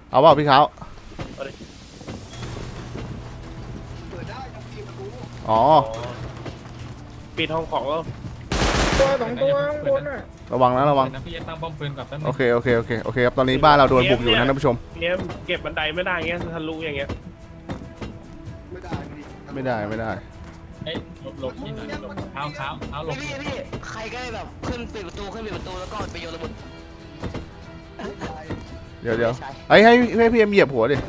เอาเปล่าพี่เขาอ๋อปิดห้องของแล้วตัวสองตัวข้างบนอ่ะระวังนะระวังพี่จะตั้งป้อมปืนกับแป๊บนึงโอเคครับตอนนี้บ้านเราโดนบุกอยู่นะท่านผู้ชมเนี่ยเก็บบันไดไม่ได้เงี้ยทะลุอย่างเงี้ยไม่ได้เอ้ยหลบที่หน่อยหลบเท้าหลบพี่ใครก็ได้แบบขึ้นปิดประตูแล้วก็ไปโยนระเบิดเดี๋ยวให้พี่เอ็มเหยียบหัวดิ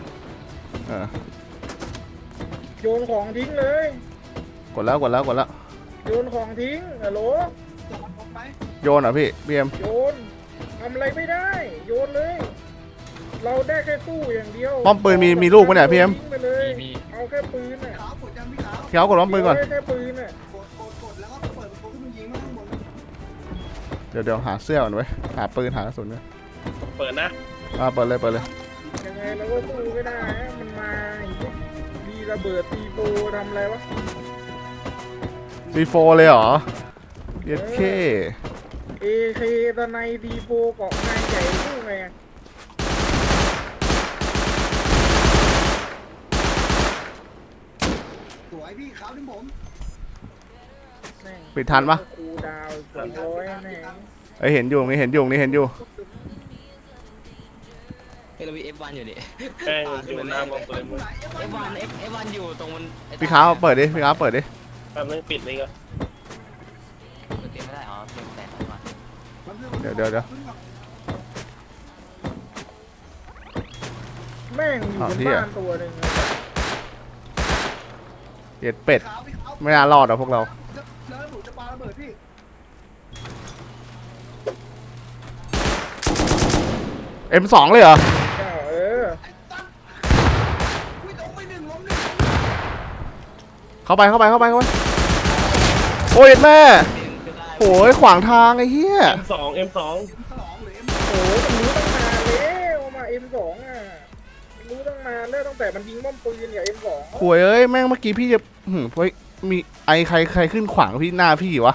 โยนของทิ้งเลยกดแล้วโยนของทิ้งฮัลโหลโยนเหรอพี่เอ็มโยนทำอะไรไม่ได้โยนเลยเราได้แค่สู้อย่างเดียวป้อมปืนมีลูกปะเนี่ยพี่เอ็มทิ้งไปเลยเอาแค่ปืนน่ะพี่เขากดป้อมปืนก่อนแค่ปืนน่ะเดี๋ยวหาเสื้อก่อนไว้หาปืนหากระสุนไว้เปิดนะเปิดเลยยังไงเราก็สู้ไม่ได้ฮะมันมาดีระเบิดตีโบทำอะไรวะ C4 เลยเหรอเย็ดเค AK ตะไนตีโบเกาะนายใหญ่สู้ไงอะสวยพี่ขาวที่ผมปิดทันปะคูดาว200แน่เห็นอยู่นี่เห็นอยู่เฮ้ยเรามี F1 อยู่ดิแป้งอยู่หน้าป้อมปืน F1 อยู่ตรงมันพี่เขาเปิดดิแป๊บนึงปิดนี่ก็เต็มไม่ได้อ๋อเต็มแต่ก่อนเดี๋ยวแม่งอยู่บนบ้านตัวหนึ่งเย็ดเป็ดไม่น่ารอดอ่ะพวกเราแล้วผมจะปาระเบิดพี่ M2 เลยเหรอเออวิ่งลงไปหนึ่งล้มหนึ่งเข้าไปโอ้ยแม่โอ้ยขวางทางไอ้เหี้ย M2 ฉลองหรือเอ็มโอ้มันรู้ตั้งนานแล้วมา M2 อ่ะรู้ตั้งนานแล้วตั้งแต่มันยิงม่อมปืนเนี่ย M2 ขวยแม่งเมื่อกี้พี่จะเฮ้ยมีไอใครขึ้นขวางพี่หน้าพี่วะ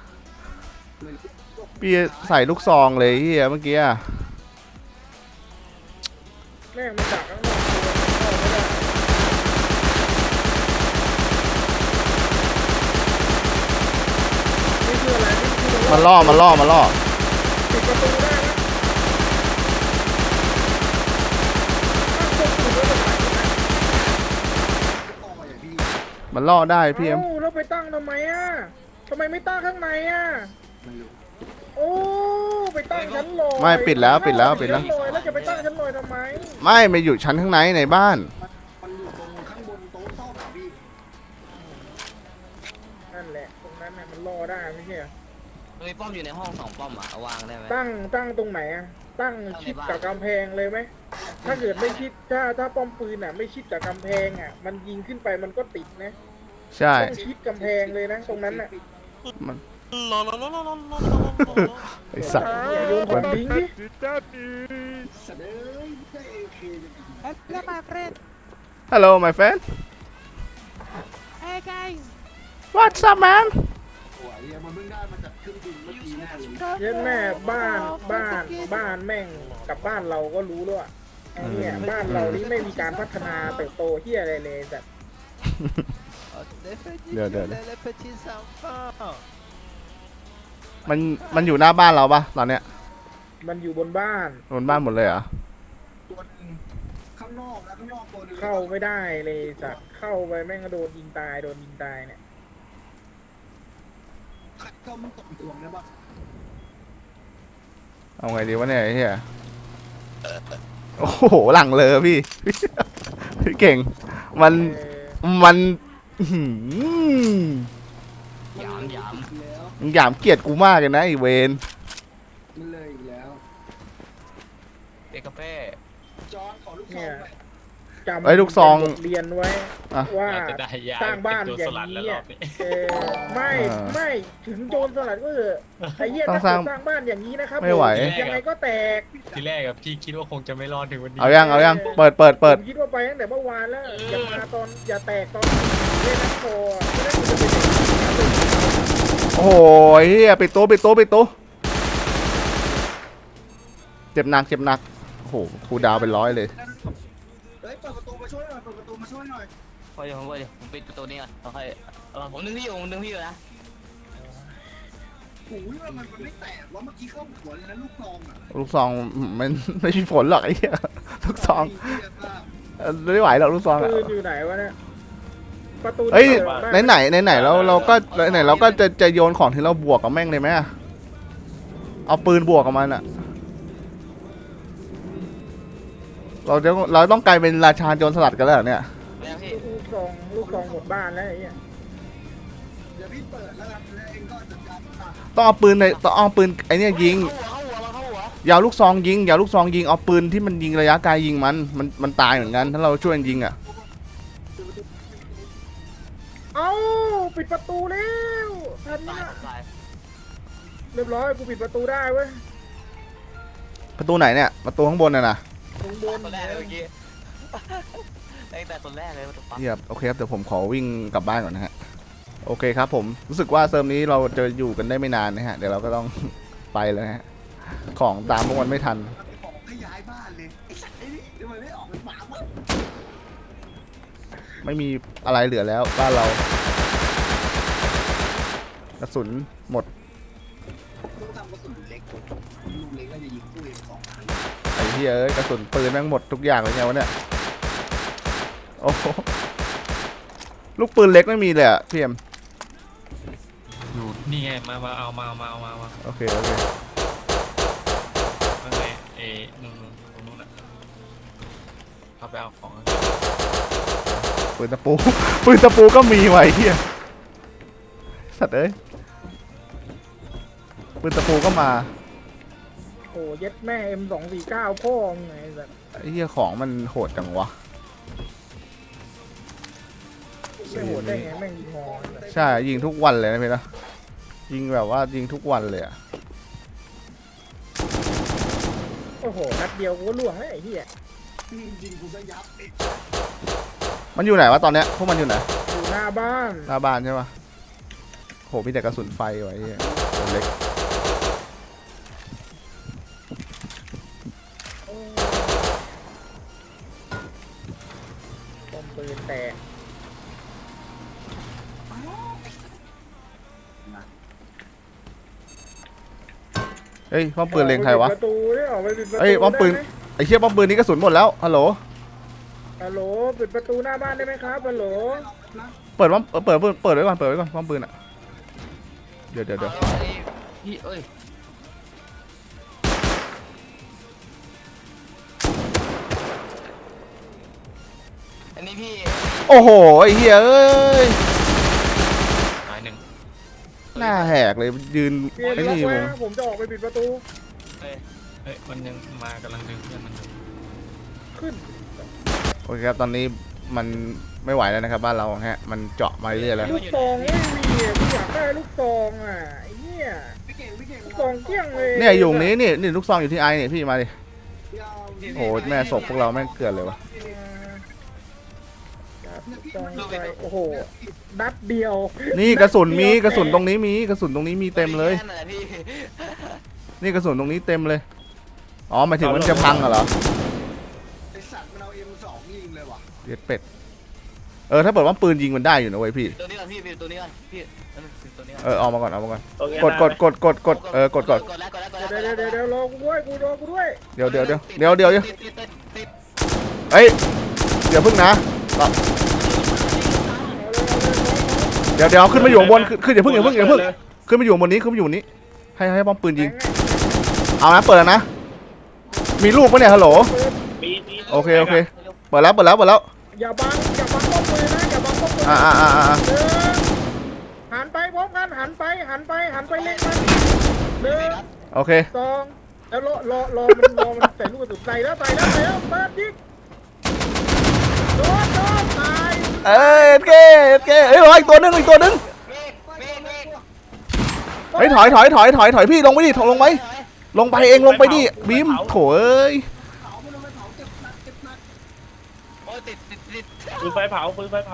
พี่ใส่ลูกซองเลยเหี้ยเมื่อกี้อะแม่งมันดักข้างนอกตัวเข้าไม่ได้นี่คืออะไรนี่คือมาล่อปิดประตูได้นะถ้าคนอื่นก็จะไปนะต่ออย่างพี่มันล่อได้พี่เอ็มเอ้าแล้วไปตั้งทำไมอ่ะทำไมไม่ตั้งข้างในอ่ะไม่รู้โอ้ไปตั้งชั้นลอยไม่ปิดแล้วชั้นลอยแล้วจะไปตั้งชั้นลอยทำไมไม่อยู่ชั้นข้างในบ้านมันอยู่ตรงข้างบนโต๊ะซ่อมอะพี่นั่นแหละตรงนั้นน่ะมันรอได้ไม่ใช่เหรอมีป้อมอยู่ในห้อง2ป้อมอ่ะเอาวางได้ไหมตั้งตรงไหนอ่ะตั้งชิดกับกำแพงเลยไหมถ้าเกิดไม่ชิดถ้าป้อมปืนอ่ะไม่ชิดกับกำแพงอ่ะมันยิงขึ้นไปมันก็ติดนะใช่ต้องชิดกำแพงเลยนะตรงนั้นน่ะมันไอสัตว์อย่าโยนของทิ้งดิเสนอใช่เอเคจะดี Hello, my friend. Hello my friend Hey, guys. What's up man สวยอะมันเพิ่งได้มาจากเครื่องบินเมื่อกี้แน่เลยเย็นแม่บ้านแม่งกับบ้านเราก็รู้แล้วอ่ะไอ้เนี่ยบ้านเรานี่ไม่มีการพัฒนาเติบโตเฮียอะไรเลยแต่เดี๋ยวมันอยู่หน้าบ้านเราปะตอนเนี้ยมันอยู่บนบ้านบนบ้านหมดเลยเหรอตัวหนึงข้างนอกแล้วข้างนอกตัวหนึงเข้าไม่ได้เลยสัตว์เข้าไปแม่งก็โดนยิงตายเนี่ยก็มันตกตัวนะบ้างเอาไงดีวะเนี่ยไอ้เหี้ยโอ้โหหลังเลยพี่ พี่เก่งมันอื้อหือหยามแล้วมึงหยามเกียรติกูมากเลยนะไอเวนมันเลยอีกแล้วเอกาเป้จอนขอลูกซองหน่อยจำไอ้ลูกซองบทเรียนไว้อ่ะว่าจะได้ยาสร้างบ้านเป็นอตัวย่าสงลัดแล้วนี้รออะบนี้ไม่ถึงโจรสลัดก็เถอะไอ้เหี้ยต้อถ้างสร้างเกิดสร้างบ้านอย่างนี้นะครับไม่ไหวยังไงก็แตกทีแรกอะพี่คิดว่าคงจะไม่รอดถึงวันนี้เอายังเปิดผมคิดว่าไปตั้งแต่เมื่อวานแล้วอย่าแตกตอนเล่นนักโทไม่ได้คุณจะเป็นอย่างนี้โอ้โหเฮียปิดตู้เจ็บหนักโอ้โหคูลดาวน์เป็น100เลยเฮ้ยเปิดประตูมาช่วยหน่อยเปิดประตูมาช่วยหน่อยพอเดี๋ยวผมปิดประตูนี้ก่อนโอเคผมดึงพี่อยู่นะโอ้ยมันไม่แตกว่าเมื่อกี้เข้าหัวเลยนะลูกซองอ่ะลูกซองมันไม่มีผลหรอกไอ้เหี้ยลูกซองไเหี้ยมากไม่ไหวหรอกลูกซองอะปืนอยู่ไหนวะเนี่ยประตูเอ้ยเปิดได้ไหนเราก็จะโยนของที่เราบวกกับแม่งเลยไหมอะเอาปืนบวกกับมันอะเราต้องกลายเป็นราชาโจรสลัดกันแล้วเหรอเนี่ยไม่นะพี่ลูกซองหมดบ้านแล้วไอ้เหี้ยเดี๋ยวพี่เปิดแล้วกันแล้วเองก็จัดการตัดต้องเอาปืนไอ้เนี่ยยิงเข้าหัวอย่าเอาลูกซองยิงเอาปืนที่มันยิงระยะไกลยิงมันตายเหมือนกันถ้าเราช่วยกันยิงอ่ะเอ้าปิดประตูแล้วทันตายนะตายเรียบร้อยกูปิดประตูได้เว้ยประตูไหนเนี่ยประตูข้างบนน่ะนะตรงบนคนแรกเลยเมื่อกี้ตั้งแต่คนแรกเลยมันปั๊บเฮียโอเคครับเดี๋ยวผมขอวิ่งกลับบ้านก่อนนะฮะโอเคครับผมรู้สึกว่าเซิร์ฟนี้เราจะอยู่กันได้ไม่นานนะฮะเดี๋ยวเราก็ต้อง ไปแล้วฮะของตามพวกมันไม่ทันมันไปบอกให้ย้ายบ้านเลยไอ้สัตว์ไอ้นี่เดี๋ยวมันไม่ออกเป็นหมาวะไม่มีอะไรเหลือแล้วบ้านเรากระสุนหมดต้องทำกระสุนเล็กลูกเล็กก็จะยิงตู้เอง2 ครั้งไอ้เหี้ยเอ้ยกระสุนปืนแม่งหมดทุกอย่างเลยไงวะเนี่ยโอ้โหลูกปืนเล็กไม่มีเลยอะพี่เอ็มอยู่นี่ไงมาเอามาโอเคข้างในนู่นตรงนู้นน่ะเอาไปเอาของปืนตะปู ปืนตะปูก็มีไว้เหี้ยสัตว์เอ้ยปืนตะปูก็มาโอ้เย็ดแม่ M249 พ่อมึงไงแบบไอ้เหี้ยของมันโหดจังวะไม่โหดได้ไงแม่งยิงฮอใช่ยิงทุกวันเลยนะพี่นะยิงแบบว่ายิงทุกวันเลยอะโอ้โหนัดเดียวกูก็ล่วงแล้วไอ้เหี้ยยิงกูซะยับไอ้มันอยู่ไหนวะตอนเนี้ยพวกมันอยู่ไหนอยู่หน้าบ้านหน้าบ้านใช่ปะโหมีแต่กระสุนไฟไว้เหี้ยตัวเล็กป้อมปืนแตกเฮ้ยป้อมปืนเล็งใครวะปิดประตูดิออกไปปิดประตูเฮ้ยป้อมปืนได้ไหไอ้เชี่ยป้อมปืนนี้กระสุนหมดแล้วฮัลโหลฮัลโหลปิดประตูหน้าบ้านได้ไหมครับฮัลโหลเปิดไว้ก่อนเปิดไว้ก่อนป้อมปืนอะเดี๋ยวพี่เอ้ยอันนี้พี่โอ้โหไอ้เหี้ยเอ้ยหายหนึ่งหน้าแหกเลยยืนเปลี่ยนไอ้ล็อกนี่ไว้วงนะผมจะออกไปปิดประตูเฮ้ยมันยังมากำลังดึงเพื่อนมันอยู่ขึ้นโอเคครับตอนนี้มันไม่ไหวแล้วนะครับบ้านเราฮะมันเจาะมาเรื่อยๆแล้วลูกซองไม่มีอ่ะกูอยากได้ลูกซองอ่ะไอ้เหี้ยพี่เก่งลูกซองเกลี้ยงเลยเนี่ยอยู่ตรงนี้นี่ลูกซองอยู่ที่ไอเนี่ยพี่มาดิยาวโอ้โหแม่ศพพวกเราแม่งเกลือนเลยวะลูกซองไปโอ้โหนัดเดียวนี่กระสุนตรงนี้มีเต็มเลยแค่นั้นแหละพี่นี่กระสุนตรงนี้เต็มเลยอ๋อหมายถึงมันจะพังเหรอไอ้สัตว์มันเอา M2 ยิงเลยว่ะเย็ดเป็ดถ้าเปิดว่าปืนยิงมันได้อยู่นะเว้ยพี่ตัวนี้ก่อนพี่ตัวนี้ก่อนพี่ตัวนี้ก่อนออกมาก่อนตรงเนี้ยกดได้ไหมกดกดเดี๋ยวเดี๋ยวรอกูด้วยรอกูด้วยเดี๋ยวเฮ้ยเดี๋ยวพึ่งนะเดี๋ยวขึ้นมาอยู่บนขึ้นอย่าพึ่งขึ้นมาอยู่บนนี้ให้ป้อมปืนยิงเอานะเปิดแล้วนะมีลูกปะเนี่ยฮัลโหลมีโอเคเปิดแล้วอย่าบังป้อมปืนนะอย่าบังป้อมปืน หันไปพร้อมกันหันไปเล็งมัน1 โอเค 2แล้วรอมันใส่ลูกกระสุนใส่แล้วเปิดยิงโดนตายเฮ้ยรออีกตัวนึงเฮ้ยถอยพี่ลงไปดิลงไปเองลงไปดิบีมโถเอ้ยเผามันเอาไปเผาเจ็บหนักโอ้ยติดปืนไฟเผา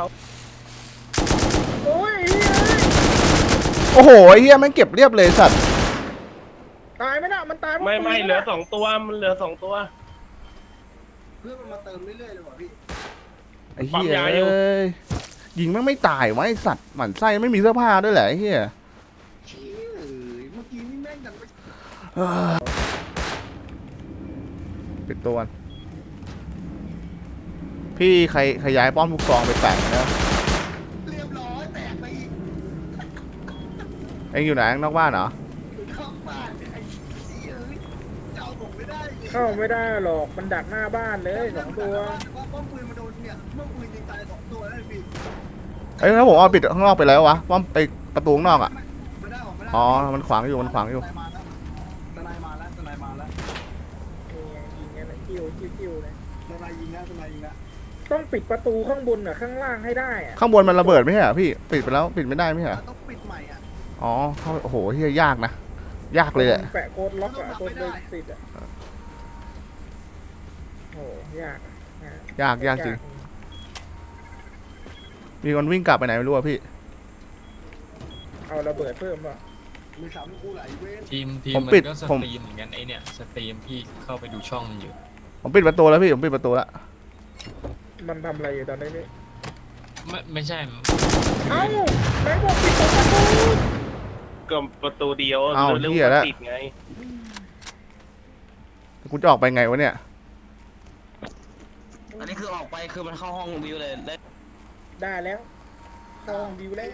โอ้ยโอ้โหไอ้เหี้ยแม่งเก็บเรียบเลยสัตว์ตายไหมน่ะมันตายไม่เหลือ2 ตัวมันเหลือ2 ตัวเพื่อนมันมาเติมเรื่อยๆเลยว่ะพี่ไอ้เหี้ยเอ้ยยิงแม่งไม่ตายวะไอ้สัตว์หมั่นไส้ไม่มีเสื้อผ้าด้วยแหละไอ้เหี้ยเชี่ยเมื่อกี้นี่แม่งดันไปปิดตัวก่อนพี่ใครย้ายป้อมลูกซองไปแปะนะเรียบร้อยแตกไปอีกเอ็งอยู่ไหนนอกบ้านเหรอเข้าบ้านไอ้เชี่ยเจ้าผมไม่ได้เลยเข้าไม่ได้หรอกมันดักหน้าบ้านเลยสองตัวว่าป้อมปืนมาโดนเนี่ยป้อมปืนยิงตาย2 ตัวแล้วพี่เอ้ยแล้วผมเอาปิดข้างนอกไปแล้ววะป้อมไปประตูข้างนอกอ่ะไม่ได้ออกไม่ได้อ๋อมันขวางอยู่มันขวางอยู่ทนายมาแล้วทนายมาแล้วนี่ไงยิงกันนะกิ้วเลยทนายยิงนะทนายยิงนะต้องปิดประตูข้างบนกับข้างล่างให้ได้อะข้างบนมันระเบิดไหมฮะพี่ปิดไปแล้วปิดไม่ได้ไหมฮะต้องปิดใหม่อ่ะอ๋อเข้าโอ้โหเฮียยากนะยากเลยแหละแปะโค้ดล็อกอะโค้ดเบอร์ติดอะโอ้ยากอะยากจริงมีคนวิ่งกลับไปไหนไม่รู้อะพี่เอาระเบิดเพิ่มป่ะมือสามกูไหลเว้นทีมผมมันปิดก็สผมตรีมเหมือนกันไอเนี่ยสตรีมพี่เข้าไปดูช่องมันอยู่ผมปิดประตูแล้วพี่ผมปิดประตูแล้วมันทำอะไรอยู่ตอนนี้นี่ไม่ใช่เอ้าไหนบอกปิดประตูก็ประตูเดียวเอ้าเรื่องเหี้ยแล้วติดไงกูจะออกไปไงวะเนี่ยอันนี้คือออกไปคือมันเข้าห้องวิวเลยได้ได้แล้วเข้าห้องบิวแล้ว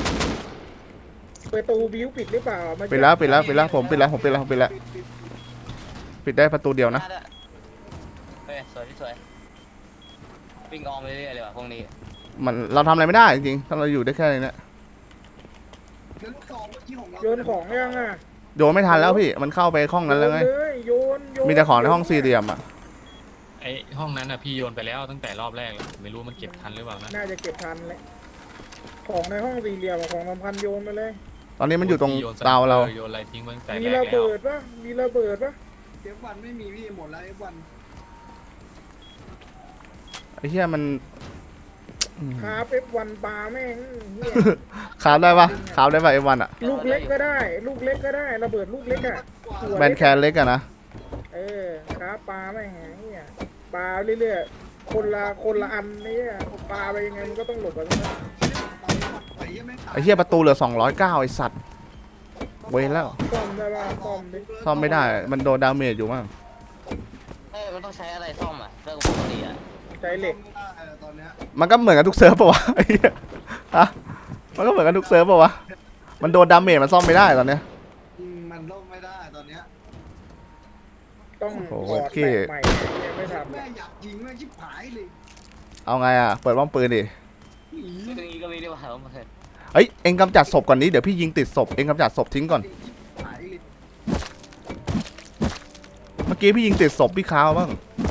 ประตูบิวปิดหรือเปล่ามาปิดแล้วผมปิดแล้วปิดได้ประตูเดียวนะเฮ้ยสวยที่สวยวิ่งออมไปเรื่อยๆเลยว่ะพวกนี้มันเราทำอะไรไม่ได้จริงๆถ้าเราอยู่ได้แค่นี้เนี่ยแล้วลูกซองเมื่อกี้ของเราโยนของยังอ่ะโยนไม่ทันแล้วพี่มันเข้าไปห้องนั้นแล้วไงโยเลยโยนมีแต่ของในห้องสี่เหลี่ยมอ่ะไอห้องนั้นอ่ะพี่โยนไปแล้วตั้งแต่รอบแรกแล้วไม่รู้มันเก็บทันหรือเปล่านะน่าจะเก็บทันเลยของในห้องสี่เหลี่ยมกับของสำคัญโยนไปเลยตอนนี้มันอยู่ตรงพี่โนเตาเราโยนอะไรทิ้งไว้ตั้งแต่มีแรกระแล้เบิวดปะมีระเบิดปะ F1 ไม่มีพี่หมดแล้ว F1 ไอ้เหี้ยมันอืมคาเอฟวันปลาแม่งเหี้ยคาบได้ปะคาบได้ปะไอ้วันอ่ะลูกเล็กก็ได้ ลูกเล็กก็ได้ระเบิดลูกเล็กอ่ะหัวแบนแคนเล็กอะนะเออคาปลาแม่งเหี้ยปลาเรื่อยๆคนละอันนี่ปลาไปยังไงมันก็ต้องหลบกันนะไอ้เหี้ยประตูเหลือ209ไอ้สัตว์เว้นแล้วซ่อมได้ป่ะซ่อมดิซ่อมไม่ได้มันโดนดาเมจอยู่มั้งมันต้องใช้อะไรซ่อมอ่ะเรื่องปกติอ่ะใช้เหล็กตอนเนี้ยมันก็เหมือนกันทุกเซิร์ฟปะวะไอ้เหี้ยฮะมันก็เหมือนกันทุกเซิร์ฟปะวะมันโดนดาเมจมันซ่อมไม่ได้ตอนเนี้ยมันล่มไม่ได้ตอนเนี้ยต้องโอ้โหถอดเท่แปะใหม่ยังไม่ทำแม่อยากยิงแม่ชิบหายเลยเอาไงอะเปิดป้อมปืนดิตรงนี้ก็มีด้วยว่ะผมเคยเอ้ยเอ็งกำจัดศพก่อนนี้เดี๋ยวพี่ยิงติดศพเอ็งกำจัดศพทิ้งก่อนหายเลยเมื่อกี้พี่ยิงติดศพพี่ค้าวบ้าง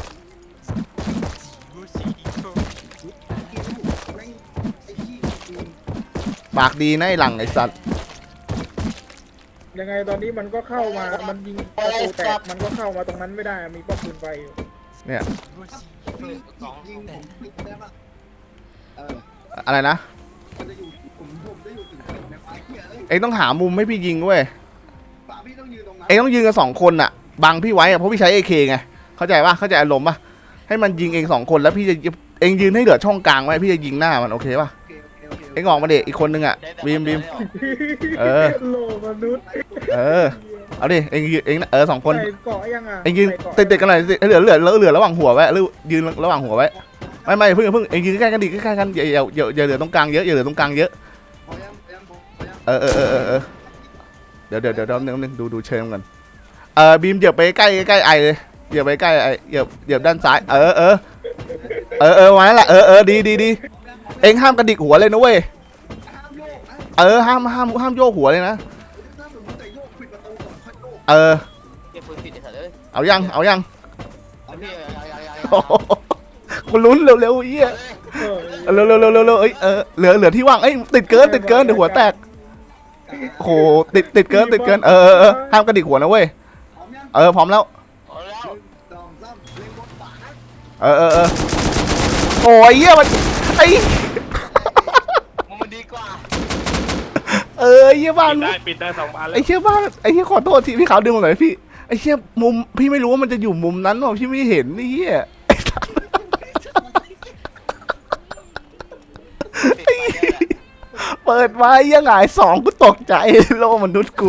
แม่งไอ้ขี้ยิงปากดีนะไอ้หลังไอ้สัตว์ยังไงตอนนี้มันก็เข้ามามันยิงประตูแตกมันก็เข้ามาตรงนั้นไม่ได้มีป้อมปืนไฟอยู่เนี่ยยิงผมปิดได้ปะเอออะไรนะมันจะอยู่ผมจะอยู่ถึงในไฟเหี้ยเลยเอ็งต้องหามุมให้พี่ยิงเว้ยป่าพี่ต้องยืนตรงนั้นเอ็งต้องยืนกัน2 คนอะบังพี่ไว้อะเพราะพี่ใช้ AK ไงเข้าใจปะเข้าใจอารมณ์ปะให้มันยิงเอง2 คนแล้วพี่จะเอ็งยืนให้เหลือช่องกลางไว้พี่จะยิงหน้ามันโอเคปะเอ็งออกมาเด็กอีกคนนึงอะบีม เออโลมนุษย์เออเอาดิเอ็งยืนเอ็ง2 คนใส่เกาะยังอ่ะเอ็งยืนใส่เกาะติดๆกันหน่อยสิเหลือระหว่างหัวไว้หรือยืนระหว่างหัวไว้ไม่เพิ่งเอ็งยืนใกล้ๆกันดิใกล้ๆกันอย่าเหลือตรงกลางเยอะอย่าเหลือตรงกลางเยอะพอยังพอยังเออเดี๋ยวนึงดูเชิงก่อนบีมเหยียบไปใกล้ไอเลยเหยียบไปใกล้ไอเหยียบด้านซ้ายวันนั้นแหละดีเอ็งห้ามกระดิกหัวเลยนะเว้ยห้ามโยกนะห้ามโยกหัวเลยนะถ้าสมมติแต่โยกปิดประตูก่อนค่อยโยกเก็บปืนผิดไอ้สัตว์เลยเอายังเอาเอาเนี่พี่ยโอ้โหกูลุ้นเร็วๆเหี้ยเออเร็วเอ้ยเหลือที่ว่างเอ้ยติดเกินเดี๋ยวหัวแตกโอ้โหติดเกินห้ามกระดิกหัวนะเว้ยพร้อมยังพร้อมแล้วเอาแล้ว 1 2 3เล็งบนฝาโอ้ยเหี้ยมันไอ้มันดีกว่าเหี้ยบ้านปิดได้2 อันแล้ไอ้วเหี้ยบ้านไอ้เหี้ยขอโทษทีพี่ขาวดึงมาหน่อยพี่ไอ้เหี้ยมุมพี่ไม่รู้ว่ามันจะอยู่มุมนั้นหรอพี่ไม่เห็นนี่เหี้ยไอ้สัสเปิดไว้ยังไงสองกูตกใจโลกมนุษย์กู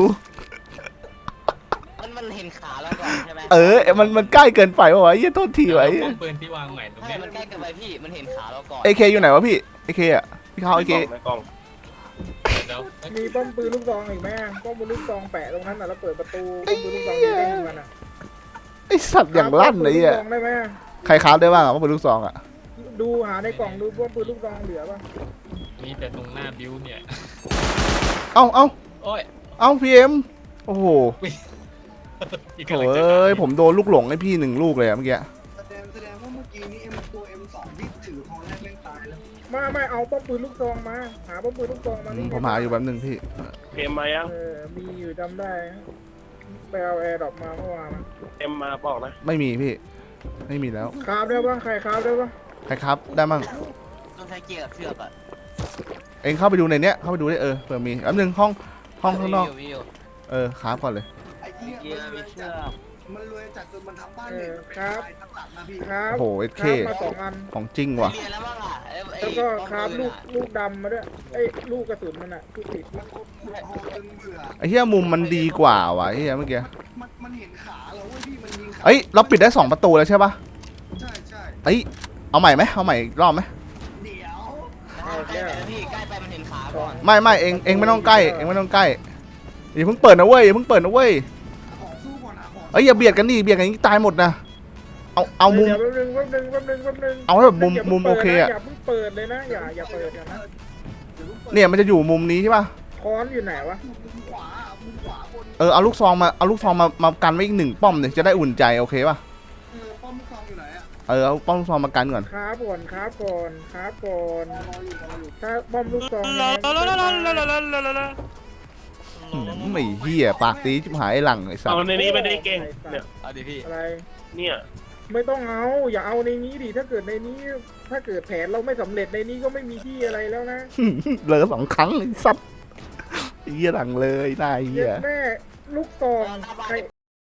มันเห็นขาเราก่อนใช่ไหมมันใกล้เกินไปวะเหี้ยโทษทีไว้ป้อมปืนที่วางใหม่ตรงใช่เนี้ยมันใกล้เกินไปพี่มันเห็นขาเราก่อนเอเคอยู่ไหนวะพี่เอเคอะพี่เขาเอเคในกล่องเดี๋ยวมีป้อมปืนลูกซองอีกไหมป้อมปืนลูกซองแปะตรงนั้นน่ะแล้วเปิดประตูป้อมปืนลูกซองยิงได้มันอ่ะไอสัตว์อย่างลั่นเลยอ่ะป้อมปืนลูกซองได้ไหมใครคราฟได้บ้างอะว่าเป็นลูกซองอะดูหาในกล่องดูป้อมปืนลูกซองเหลือป่ะมีแต่ตรงหน้าบิวเนี่ยเอ้าโอ้ยพีเอ็มโอ้โหอีกโถ่กำลังจะเอ้ยผมโดนลูกหลงให้พี่1 ลูกเลยอะเมื่อกี้แสดงว่าเมื่อกี้นี้ตัว M2 ที่ถือของแรกเล่นตายแล้วไม่เอาป้อมปืนลูกซองมาหาป้อมปืนลูกซองมานี่ผมหาอยู่แป๊บนึงพี่เกมมายังมีอยู่จำได้ไปเอาแอร์ดรอปมาเมื่อวานเอ็มมาบอกนะไม่มีพี่ ไม่มีแล้วคราฟได้ปะใครคราฟได้ปะใครครับได้มั่งต้องใช้เกียร์กับเชือกอ่ะเองเข้าไปดูในเนี้ยเข้าไปดูได้เผื่อมีแป๊บนึงห้องข้างนอกวิวครับก่อนเลยไอ้เหี้ยเกียร์มีเชือกมันรวยจัดจนมันทำบ้านเนี่ยทั้งหลังนะพี่คราฟโอ้โหเอคเคราฟมา2 อันของจริงว่ะเรียนแล้วบ้างอ่ะไอ้แล้วก็ป้อมคราฟปืนลูกดำมาด้วยลูกกระสุนมันอะลูกติดมันขุดหอจนเบื่อไอ้เหี้ยมุมมันดีกว่าวะไอ้เหี้ยเมื่อกี้มันเห็นขาเราเว้ยพี่มันยิงขาเอ้ยเราปิดได้2 ประตูแล้วใช่ปะใช่เอ้ยเอาใหม่ไหมเอาใหม่อีกรอบไหมเดี๋ยวใกล้ไปนะพี่ใกล้ไปมันเห็นขาก่อนไม่เองไม่ต้องใกล้เองไม่ต้องใกล้อย่าเพิ่งเปิดนะเว้ยอย่าเพิ่งเปิดนะเว้ยของสู้ก่อนนะของเอ้ยอย่าเบียดกันดิเบียดกันอย่างนี้ตายหมดนะเอามุมดี๋ยวแป๊บนึงเอาให้แบบมุมโอเคอะอย่าเพิ่งเปิดเลยนะอย่าเปิดกันนะเนี่ยมันจะอยู่มุมนี้ใช่ปะค้อนอยู่ไหนวะมุมขวาบนเอาลูกซองมากันไว้อีก1 ป้อมเนี่ยจะได้อุ่นใจโอเคปะป้อมลูกซองอยู่ไหนอะเอาป้อมลูกซองมากันก่อนครับก่อนถ้าป้อมลูกซองไม่เหี้ยปากตีจิบหายไอ้หลังไอ้สัตเอาว์ในนี้ไม่ได้เก่งเนี่ยเอาดิพี่อะไรเนี่ยไม่ต้องเอาอย่าเอาในนี้ดิถ้าเกิดในนี้ ถ้าเกิดแผนเราไม่สำเร็จในนี้ก็ไม่มีที่อะไรแล้วนะเหลือ2 ครั้งไอ้สัตว์ไอ้เหี้ยหลังเลยนายเหี้เย็ยดแม่ลูกซองใคร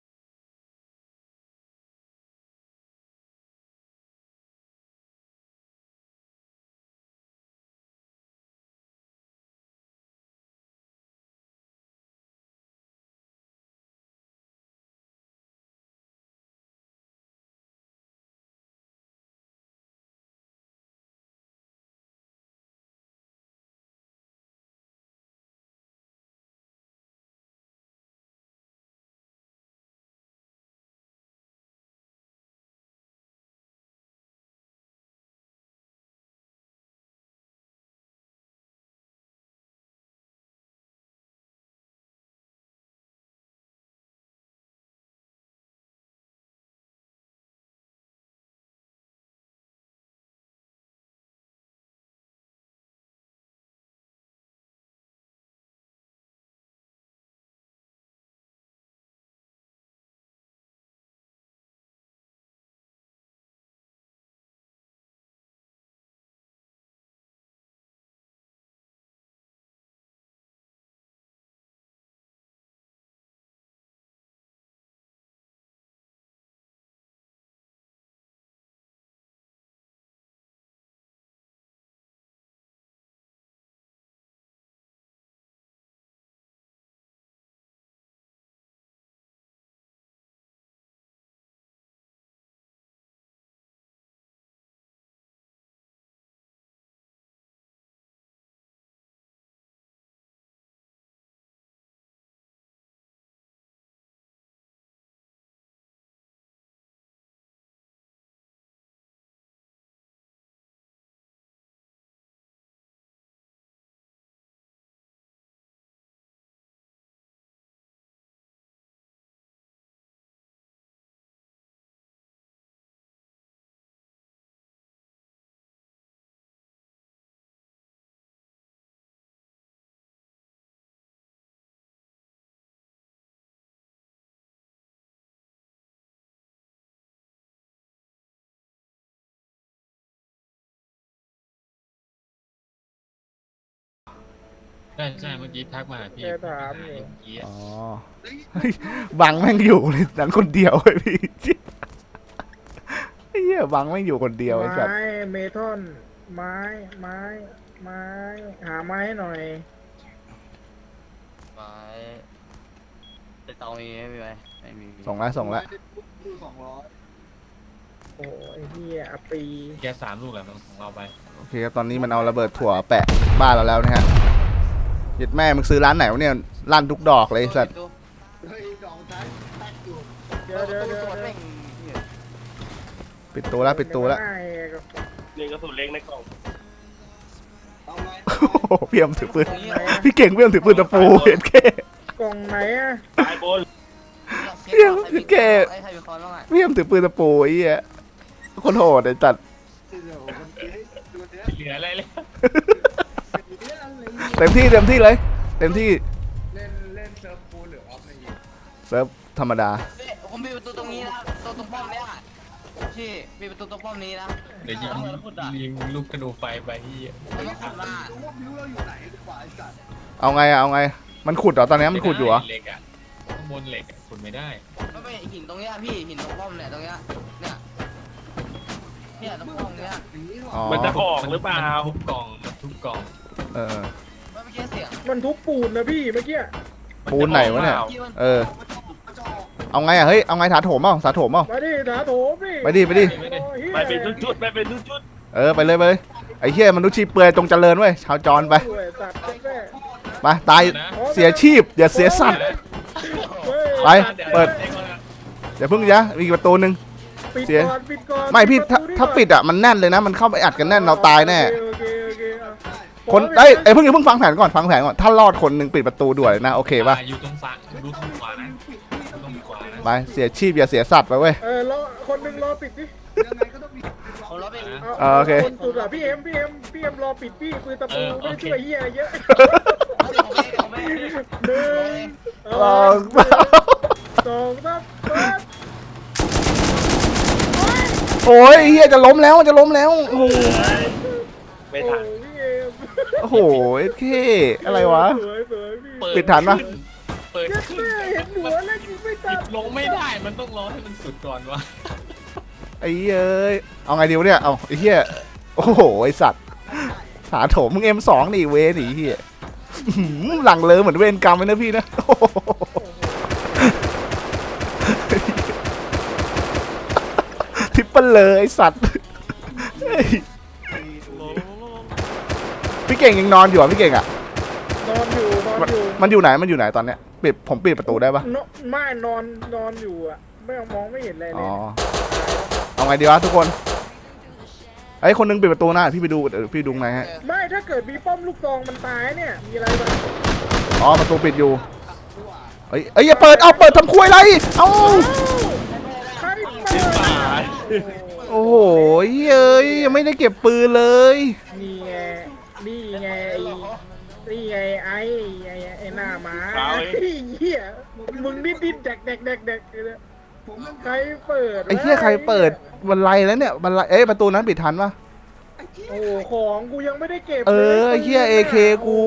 ใช่เมื่อกี้ทักมาหาพี่แกถามอยู่เมื่อกี้อ๋อเฮ้ยบังแม่งอยู่เลยหนังคนเดียวไอ้พี่ไอ้เหี้ยบังแม่งอยู่คนเดียวไอ้สัตว์ไม้เมทัลไม้ไม้หาไม้หน่อยไม้ไปเตามีไหมมีไหมไม่มีส่งแล้วส่งแล้วดู200 โอ้ยเฮียอปีแก3 ลูกแหละของเราไปโอเคครับตอนนี้มันเอาระเบิดถั่วแปะบ้านเราแล้วนะฮะยึดแม่มึงซื้อร้านไหนวะเนี่ยลั่นทุกดอกเลยไอ้สัตว์เฮ้ยดอกท้ายแตกอยู่เดี๋ยวเดี๋ยวเดี๋ยวตัวเดี๋เร่ยวงปิดตัวแล้วปิดตัวแล้วนี่กระสุนเล็กในกล่องเอาไงโอ้โหพี่เอ็มถือปืนพี่เก่งพี่เอ็มถือปืนตะปูเห็นแค่กล่องไหนอะตายบนไอ้ใครเป็นคนบ้างอ่ะพี่เอ็มถือปืนตะปูไอ้เหี้ยคนโหดไอ้จัดเดี๋ยวมันเอ้ยดูเนี้ยเหลืออะไรเลยเต็มที่เต็มที่เลย เต็มที่เล่นเซิร์ฟฟูลหรือออฟในยิงเซิร์ฟธรรมดาผมมีประตูตรงนี้นะตัวตรงป้อมเนี้ยพี่มีประตูตรงป้อมนี้นะเดี๋ยวยิงลูกธนูไฟไปที่มันต้องขับมารู้ว่าบิวเราอยู่ไหนดีกว่าไอ้สัตว์เอาไงอะเอาไงมันขุดเหรอตอนนี้มันขุดอยู่เหรอเหล็กอะข้างบนเหล็กอะขุดไม่ได้ไม่เป็นหินตรงเนี้ยพี่หินตรงป้อมเนี่ยตรงเนี้ยเนี่ยตรงป้อมเนี้ยอย่างนี้หรออ๋อมันจะออกหรือเปล่ามันทุบกล่องมันทุบกล่องเออไม่เมื่อกี้เสียงมันทุบปูนนะพี่เมื่อกี้ปูนไหนวะเนี่ยที่มันเออมันจะออกเอาไงอะเฮ้ยเอาไงถาโถมเปล่าถาโถมเปล่ามาดิถาโถมดิไปดิไปดิโอ้ยเหี้ยไปเป็นชุดๆไปเป็นชุดเออไปเลยไปเลยไอ้เหี้ยมันนุษย์ชีเปลือยตรงเจริญเว้ยชาวจรไปโอ้ยสัตว์แม่ไปตายเสียชีพอย่าเสียสัตว์เฮ้ยไป เปิด อย่าเพิ่งยะมีอีกประตูหนึ่งปิดเสียก่อนปิดก่อนไม่พี่ประตูนี้ถ้าก่อนปิดอะมันแน่นเลยนะมันเข้าไปอัดกันแน่นเราตายแน่โอเคโอเคเอาคนขอเอ้ยเพิ่งฟังแผนก่อนฟังแผนก่อนถ้ารอดคนหนึ่งปิดประตูด่วนเลยนะโอเคป่ะอยู่ตรงซ้ายดูตรงขวานะดูตรงขวานะไปเสียชีพอย่าเสียสัตว์ไปเว้ยรอคนหนึ่งรอปิดดิยังไงก็ต้องมีผมรับไปโอเคคนสุดอะพี่เอ็มรอปิดพี่ปืนตะปูไม่ได้ช่วยเฮียอะไรเยอะผมไม่หนึ่งลองสองสามโอ้ยเฮียจะล้มแล้วจะล้มแล้วโอ้โหๆไม่ทันพี่เอ็มโอ้โหเอเคอะไรวะสวยสวยพี่ปิดทันปะเปิดเยัดขึ้นแม่เห็นหัวแล้วยิงไม่ตัดลงไม่ได้มันต้องรอให้มันสุดก่อนวะไอ้เอ้ยเอาไงดีวะเนี่ยเอาไอ้เฮียโอ้โหไอสัตว์ถาโถมมึง M2 นี่เวนี่เฮียอื้อหือหลังเลยเหมือนเวรกรรมเลยนะพี่นะโอ้โหทิปเปิลเลยไอสัตว์เฮ้ยพี่เก่งยังนอนอยู่อ่ะพี่เก่งอ่ะนอนอยู่มันอยู่ไหนมันอยู่ไหนตอนเนี้ยปิดผมปิดประตูได้ปะไม่นอนอยู่อ่ะไม่มองไม่เห็นอะไรเลอ๋ยอเอาไงดีวะทุกคนไอ้ยคนนึงปิดประตูหน้าพี่ไปดูเดี๋ยวพี่ดูไงฮะไม่ถ้าเกิดมีป้อมลูกซองมันตายเนี่ยมีอะไรบ้างอ๋อประตูปิดอยู่เอ้ยอย่าเปิดเอาเปิดทำคุยอะไรเอาใครเปิดโอ้โหเอ้ยยังไม่ได้เก็บปืนเลยนี่ไงนี่ไงนี่ไงไอ้หน้าหมาเหี้ยมึงดิ้นแดกใครเปิดไอ้เหี้ยใครเปิดบันไลแล้วเนี่ยบันไลเอ้ยประตูนั้นปิดทันปะโอ้ของกูยังไม่ได้เก็บเออไอ้เหี้ย AK กู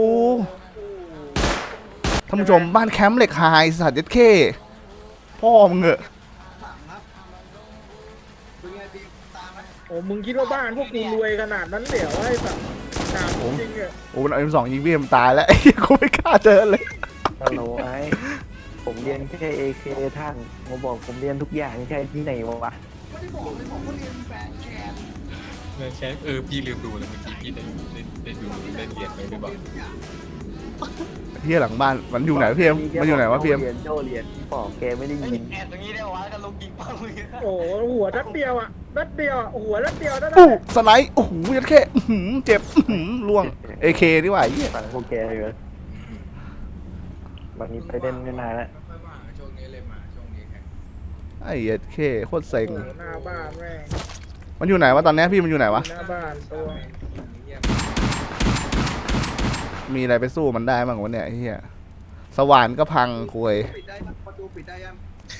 ท่านผู้ชมบ้านแคมป์เหล็กไฮสัตว์เย็ดเข้พ่อมึงเหอะถังครับเป็นไงดีตามไหมโอ้มึงคิดว่าบ้านพวกกูรวยขนาดนั้นเหรอไอ้สัตว์ถามจริงอะโอ้มันเอา M2 ยิงพี่เอ็มตายแล้วไอ้เหี้ยกูไม่กล้าเจอเลยฮัลโหลไอ้ผมเรียนแค่ AK ท่านมาบอกผมเรียนทุกอย่างใช่ที่ไหนวะไม่ได้บอกเลยบอกว่าเรียนแฟนแคนใช่พี่ลืมดูเลยเมื่อกี้พี่ได้ดูได้เรียนไปหรือเปล่าเหี้ยหลังบ้านมันอยู่ไหนพี่เอ็มมันอยู่ไหนวะพี่เอ็มเรียนโจเรียนที่บอกแกไม่ได้ยินแอบตรงนี้ได้วะกันลงยิงป้อมเลยโอ้หัวนัดเดียวอะนัดเดียวหัวนัดเดียวนั่นแหอู้ละสไลด์โอ้โหยัดแค่อื้อหือเจ็บอื้อหือล่วง AK ดีกว่าไอ้เหี้ยฟังพวกแกเลยวันนี้ไปเล่นไม่นานแล้วไอ้เหี้ยแค่โคตรเซ็งโอ้หน้าบ้านแม่งมันอยู่ไหนวะตอนเนี้ยพี่มันอยู่ไหนวะหน้าบ้านตัวมีอะไรไปสู้มันได้บ้างวะเนี่ยไอ้เหี้ยสว่านก็พังคุยปิดได้ประตูปิดได้ยัง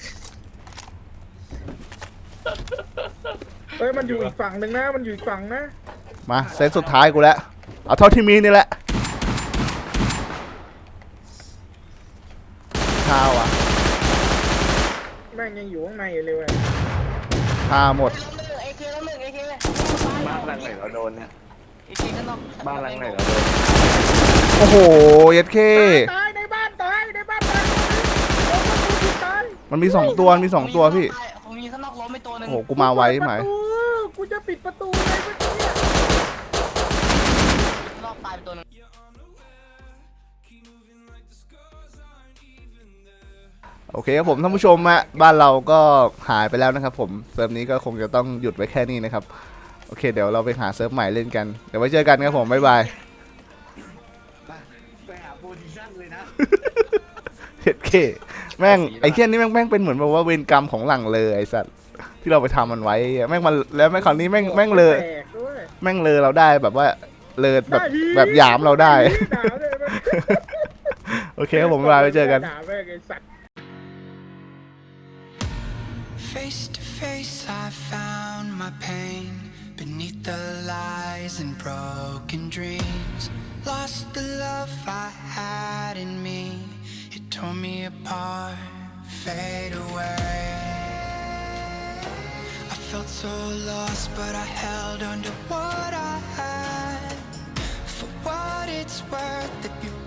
เฮ้ยมันอยู่อีกฝั่งหนึ่งนะมันอยู่อีกฝั่งนะมาเซตสุดท้ายกูแล้วเอาเท่าที่มีนี่แหละข้าวอ่ะแม่งยังอยู่ข้างในอยู่เลยเว้ยข้าหมดเอเคแล้วหนึ่งเอเคบ้านหลังไหนเราโดนเนี่ยเคข้างนอกบ้านหลังไหนเหรอโอ้โหเย็ดเคตายในบ้านตายในบ้านตายโอ้โหกูตายมันมี2ตัวมี2ตัวพี่ผมมีข้างนอกล้มไปตัวหนึงโอ้โหกูมาไวไหมกูจะปิดประตูเลยเมื่อกี้เนี่ยข้างนอกตายไปตัวหนึงโอเคครับผมท่านผู้ชมฮะบ้านเราก็หายไปแล้วนะครับผมเซิร์ฟนี้ก็คงจะต้องหยุดไว้แค่นี้นะครับโอเคเดี๋ยวเราไปหาเซิร์ฟใหม่เล่นกันเดี๋ยวไว้เจอกันครับผมบ๊ายบายไปหาโพซิชั่นเลยนะเฮ็ดเคแม่งไอ้เคี้ยนี่แม่งเป็นเหมือนแบบว่าเวรกรรมของหลังเลยไอ้สัตว์ที่เราไปทำมันไว้แม่งมันแล้วแม่งคราวนี้แม่งเลยแตกด้วยแม่งเลยเราได้แบบว่าเลยแบบหยามเราได้ด่าเลยมันโอเคครับผมบ๊ายบายไว้เจอกันด่าแม่งไอ้สัตว์ Face to face, I found my pain beneath the lies and broken dreams. Lost the love I had in me, it tore me apart, fade away. I felt so lost, but I held on to what I had. For what it's worth, if you